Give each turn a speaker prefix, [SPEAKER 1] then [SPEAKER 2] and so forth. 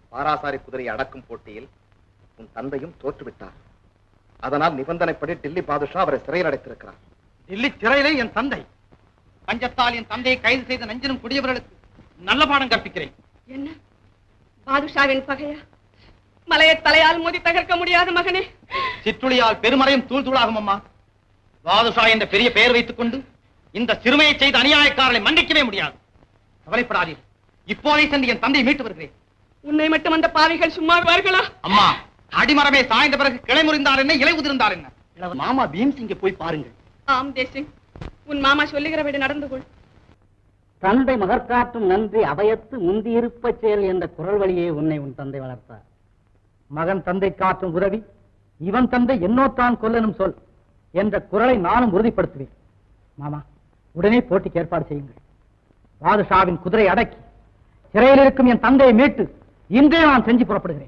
[SPEAKER 1] பாராசாரி குதிரையை அடக்கும் போட்டியில் உன் தந்தையும் தோற்றுவிட்டார். அதனால் நிபந்தனைப்படி டில்லி பாதுஷா அவரை சிறையில் அடைத்திருக்கிறார்.
[SPEAKER 2] டில்லி சிறையிலே என் தந்தை பஞ்சத்தால் என் தந்தையை கைது செய்த நஞ்சினும் குடியவர்களுக்கு நல்ல பாடம் கற்பிக்கிறேன்.
[SPEAKER 3] என்ன பாதுஷாவின் பகையா? மலையை தலையால் மோதி தகர்க்க முடியாத மகனே.
[SPEAKER 2] சிற்றுளியால் பெருமறையும் தூள் தூளாகும் அம்மா. பாதுஷா என்ற பெரிய பெயர் வைத்துக் கொண்டு இந்த சிறுமையை செய்த அநியாயக்காரர்களை மன்னிக்கவே முடியாது. கவலைப்படாதீர்கள், இப்போதே சென்று என் தந்தையை மீட்டு வருகிறேன்.
[SPEAKER 3] உன்னை மட்டும் அந்த பாவிகள் சும்மா விடுவார்களா?
[SPEAKER 2] அம்மா, அடிமரமே சாய்ந்த பிறகு கிளை முறிந்தார் என்ன, இலை உதிர்ந்தார் என்ன? மாமா பீம்சிங்கை போய் பாருங்கள்.
[SPEAKER 3] ஆம் தேசிங், உன் மாமா சொல்லுகிறபடி நடந்து கொள்.
[SPEAKER 4] தந்தை மகற்காற்றும் நன்றி அவையத்து முந்தி இருப்ப செயல் என்ற குரல் வழியே உன்னை உன் தந்தை வளர்த்தார். மகன் தந்தை காற்றும் உதவி, இவன் தந்தை என்னோத்தான் கொல்லனும் சொல் என்ற குரலை நானும் உறுதிப்படுத்துவேன். மாமா, உடனே போட்டிக்கு ஏற்பாடு செய்யுங்கள். பாதுஷாவின் குதிரை அடக்கி சிறையில் இருக்கும் என் தந்தையை மீட்டு இன்றே நான் செஞ்சு புறப்படுகிறேன்.